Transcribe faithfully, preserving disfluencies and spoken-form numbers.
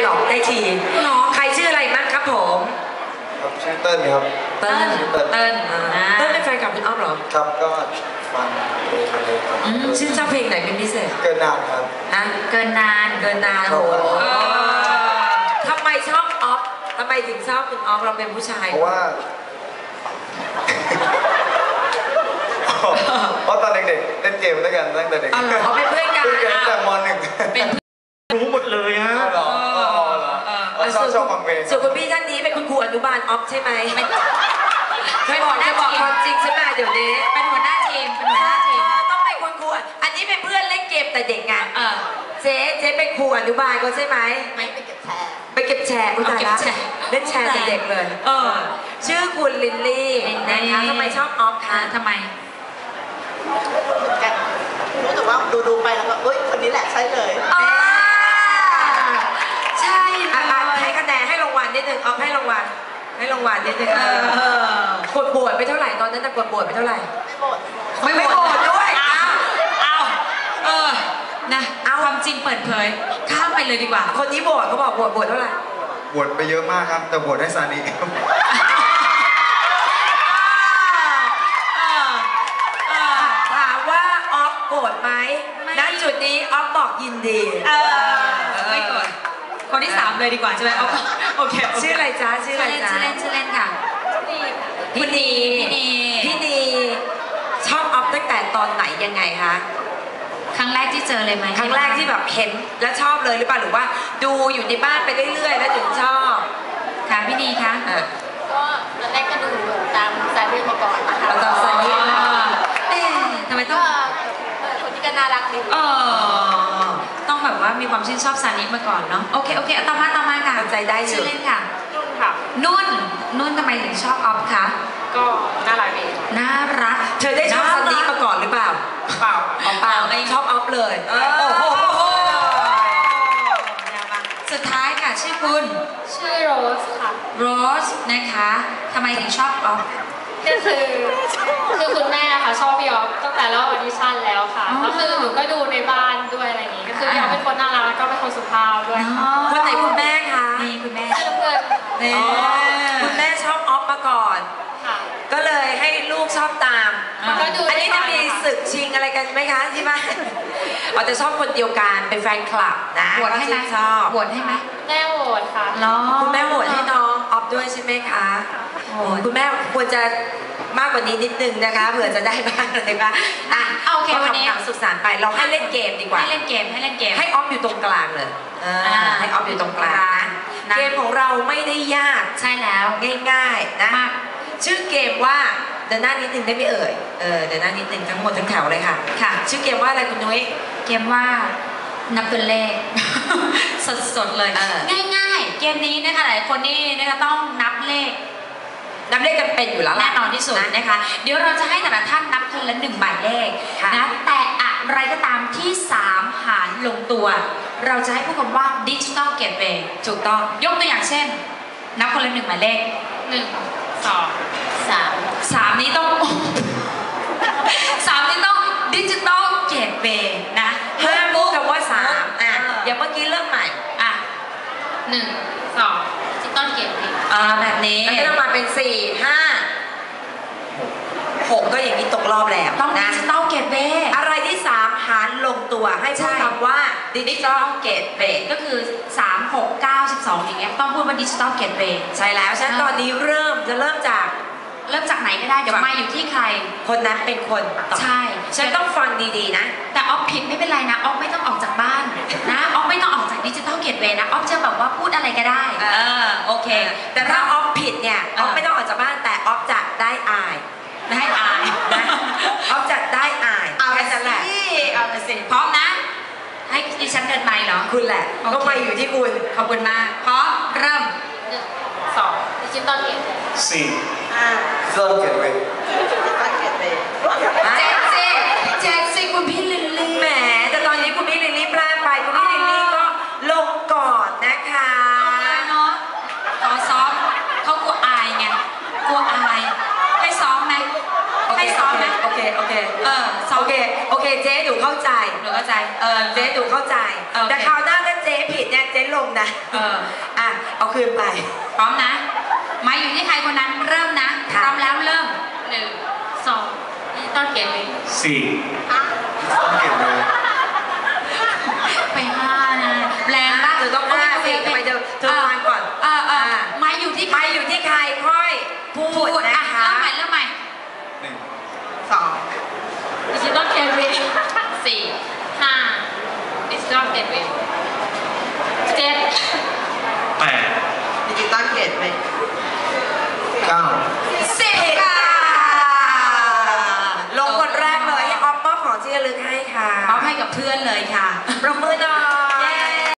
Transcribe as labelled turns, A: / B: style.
A: หลอกได้ทีใครชื่ออะไรมั้งครับผม
B: ครับชื่อเติ้ลครับ
A: เติ้ลเติ้ลเติ้ลเติ้ลเป็นแฟนกับคุณอ้อมเหรอ
B: ครับก็ฟังเพลงเลยครับ
A: ชื่อชอบเพลงไหนเป็นพิเศษ
B: เกินนานครับ
A: ฮะเกินนานเกินนานโอ้ทำไมชอบออฟทำไมถึงชอบคุณออฟเราเป็นผู้ชาย
B: เพราะว่าเพราะตอนเด็กๆเล่นเกมด้วยกันตั้งแต่เด็ก
A: เขาเป็นเพื่อนกัน
B: ตั้งแต่ม.หนึ่ง
A: เป็น
C: รู้หมดเลยฮะ
B: ชอบชอบฟังเพลง
A: ส่วนคุณพี่ท่านนี้เป็นคุณครูอนุบาลออฟใช่ไหมไม่บอกจะบอกความจริงใช่ไหมเดี๋ยวนี้
D: เป็นหัวหน้าทีมเป็นหัวหน้าทีม
A: ต้องเป็นคุณครูอันนี้เป็นเพื่อนเล่นเกมแต่เด็กไงเจ๊เจ๊เป็นครูอนุบาลก็ใช่ไหม
D: ไม่ไปเก็บแชร์
A: ไปเก็บแชร์อุตส่าห์เล่นแชร์แต่เด็กเลยเออชื่อคุณลินลี่นะคะทำไมชอบออฟคะ
D: ทำไม
E: รู้แต่ว่าดูดูไปแล้วก็เฮ้ยคนนี้แหละใช่เลย
A: ใช่ให้คะแนนให้รางวัลนิดนึงเอาให้รางวัลให้รางวัลนิดนึงกดบวชไปเท่าไหร่ตอนนั้นจะกดบวชไปเท่าไหร่
E: ไม่บวช
A: ไม่บวชด้วย
D: เอาเออนะเอาความจริงเปิดเผยข้ามไปเลยดีกว่า
A: คนนี้บวชเขาบอกบวชบวชเท่าไหร่
B: บวชไปเยอะมากครับแต่บวชให้ซานิ
A: ถามว่าออฟโกรธไหมณจุดนี้ออฟบอกยินดี
D: ไม่โกรธคนที่สามเลยดีกว่าใช่ไหมโอเค
A: ชื่ออะไรจ๊ะชื่ออะไรจ๊ะ
D: ชื่อเล่นชื่อเล่นค่ะ
A: พี่นีพี่นีชอบออฟตั้งแต่ตอนไหนยังไงคะ
D: ครั้งแรกที่เจอเลยไหม
A: ครั้งแรกที่แบบเห็นแล้วชอบเลยหรือเปล่าหรือว่าดูอยู่ในบ้านไปเรื่อยๆแล้วถึงชอบ
D: ค่ะพี่นีคะ
E: ก็ตอนแรกก็ดูตามซานิมาก่อนนะคะ
A: ตามซานิ
D: เอ๊ะทำไมต้อง
E: คนที่ก็น่ารักดี
D: เออต้องแบบว่ามีความชื่นชอบซานิมาก่อนเนาะโอเคโอเคต่อมาต่อมาค่ะ
A: ใจได้
D: ชื่อเล่นค่ะ
E: นุ่นค่ะ
D: นุ่นนุ่นทำไมถึงชอบออฟคะ
E: ก็น่ารักดี
A: น่ารักเธอได้ชอบซานิมาก่อนหรือเปล่า
E: เปล่า
A: เปล่าไม่ชอบออฟเลยโอ้โห
D: สุดท้ายค่ะชื่อคุณ
E: ชื่อโรสค่ะ
D: โรสนะคะทำไมถึงชอบออฟ
E: ก็คือคือคุณแม่ค่ะชอบพี่ออฟตั้งแต่รอบออดิชั่นแล้วค่ะก็คือหนูก็ดูในบ้านด้วยอะไรอย่างงี้ก็คือพี่ออฟเป็นคนน่ารักแล้วก็เป็นคนสุภาพด้วยค่ะ
A: คนไหนคุณแม่คะ
D: นี่คุณแม่
E: ชื่อเพื่อน
A: คุณแม่ชอบออฟมาก่อนก็เลยให้ลูกชอบตามอันนี้จะมีศึกชิงอะไรกันไหมคะที่บ้านเราจะชอบคนเดียวกันเป็นแฟนคลับนะ
D: โหวตให้ไหม
A: ชอบ
D: โหวตให้ไหม
E: แม่โหวตค่ะ
A: คุณแม่โหวตให้น้องออฟด้วยใช่ไหมคะคุณแม่ควรจะมากกว่านี้นิดนึงนะคะเผื่อจะได้บ้างอะไรบ้างอ่ะ
D: โอเควันนี้
A: สุขสันต์ไปเราให้เล่นเกมดีกว่า
D: ให้เล่นเกมให้เล่นเกม
A: ให้ออฟอยู่ตรงกลางเลยให้ออฟอยู่ตรงกลางเกมของเราไม่ได้ยาก
D: ใช่แล้ว
A: ง่ายๆนะชื่อเกมว่าเดินหน้านิดนึงได้ไหมเอ่ยเออเดินหน้านิดนึงทั้งหมดทั้งแถวเลยค่ะค่ะชื่อเกมว่าอะไรคุณนุ้ย
D: เกมว่านับตัวเลขสดๆเลยง่ายๆเกมนี้นะคะหลายคนนี่นะคะต้องนับเลข
A: นับเลขกันเป็นอยู่แล้ว
D: แน่นอนที่สุดนะคะเดี๋ยวเราจะให้แต่ละท่านนับคนละหนึ่งหมายเลขนะแต่อะไรก็ตามที่สามหารลงตัวเราจะให้พูดคำว่าดิจิตอลเกตเวย์ถูกต้องยกตัวอย่างเช่นนับคนละหนึ่งหมายเลข
E: หนึ่งสองสาม
D: สามนี้ต้องสามนี้ต้องดิจิตอลเกตเวย์นะ
A: ห้ามพูดคำว่าสามอ่ะอย่างเมื่อกี้เริ่มใหม่
D: อ่ะ
E: หนึ่งสองดิจิตอลเกตเวย์
A: อ่าแบบนี้แล้วก็ต้องมาเป็นสี่ห้าหกก็อย่างนี้ตกรอบแล้ว
D: ต้องดิจิตอลเกตเวย์
A: อะไรที่สามหารลงตัวให้พูดคำว่าดิจิตอลเกตเวย์
D: ก็คือสาม หก เก้า สิบสองอย่างเงี้ยต้องพูดว่าดิจิตอลเกตเวย์
A: ใช่แล้วฉันตอนนี้เริ่มจะเริ่มจาก
D: เริ่มจากไหนก็ได้เดี๋ยวมาอยู่ที่ใคร
A: คนนั้นเป็นคน
D: ใช่
A: ฉันต้องฟังดีๆนะ
D: แต่ออฟผิดไม่เป็นไรนะออฟไม่ต้องออกจากบ้านนะออฟไม่ต้องออกจากดิจิตอลเกตเวย์นะออฟจะแบบว่าพูดอะไรก็ได้
A: เออโอเคแต่ถ้าออฟผิดเนี่ยออฟไม่ต้องออกจากบ้านแต่ออฟจะได้อาย
D: ได้อาย
A: นะออฟจะได้อาย
D: เอาไปสิเอาไปสิพร้อมนะให้ดิฉันเดินไมค์เหรอ
A: คุณแหละก็ไมค์อยู่ที่คุณ
D: ขอบคุณมากพร้อมเริ่ม
E: สองดิจิตอลเกต
B: สี่ห้าดิจิตอลเกตเวย์
D: เจ็ดสิเจ็ดสิคุณพี่ลิลลี่
A: แหมแต่ตอนนี้คุณพี่ลิลลี่พลาดไปคุณพี่ลิลลี่ก็ลงก่อนนะคะ
D: เนาะขอซ้อมเขากลัวอายไงกลัวอายให้ซ้อมไหมให้ซ้อมไหม
A: โอเคโอเค
D: เออ
A: โอเคโอเคเจ๊ดูเข้าใจ
D: หนูเข้าใจ
A: เออเจ๊ดูเข้าใจแต่คราวหน้าถ้าเจ๊จ๊ผิดเนี่ยเจ๊ลงนะ
D: เออ
A: อ่ะเอาคืนไป
D: พร้อมนะไม้อยู่ที่ใครคนนั้นเริ่มนะพ
A: ค่ะ
D: ร้อมแล้วเริ่ม
E: หนึ่งสองดิจิตอลเกตเวย์
C: สี่
B: ต้องเก็บเลย
D: ไปห้านะแรงมาก
A: เธอต้องห้าสิทำไมเธอเธอฟังก่อน
D: เออเออไม้อยู่ที่ใคร
A: ไปอยู่ที่ใครค่อยพู
D: พู
A: ด
D: ด
A: นะ
D: อ่ะ
A: คะ
D: เริ่มใหม่เริ่มใหม่
B: หนึ่ง
A: สอง
E: ดิจิตอลเกตเวย์สี่ห้าดิจิตอลเกตเวย์เจ็ด
C: แปด
A: ดิจิตอลเกตเวย์
B: เก้า
A: สิบค่ะลงคนแรกเลยให้ออฟมอบของที่ระลึกให้ค่ะ
D: เอาให้กับเพื่อนเลยค่ะ
A: ปรบมือหน่อย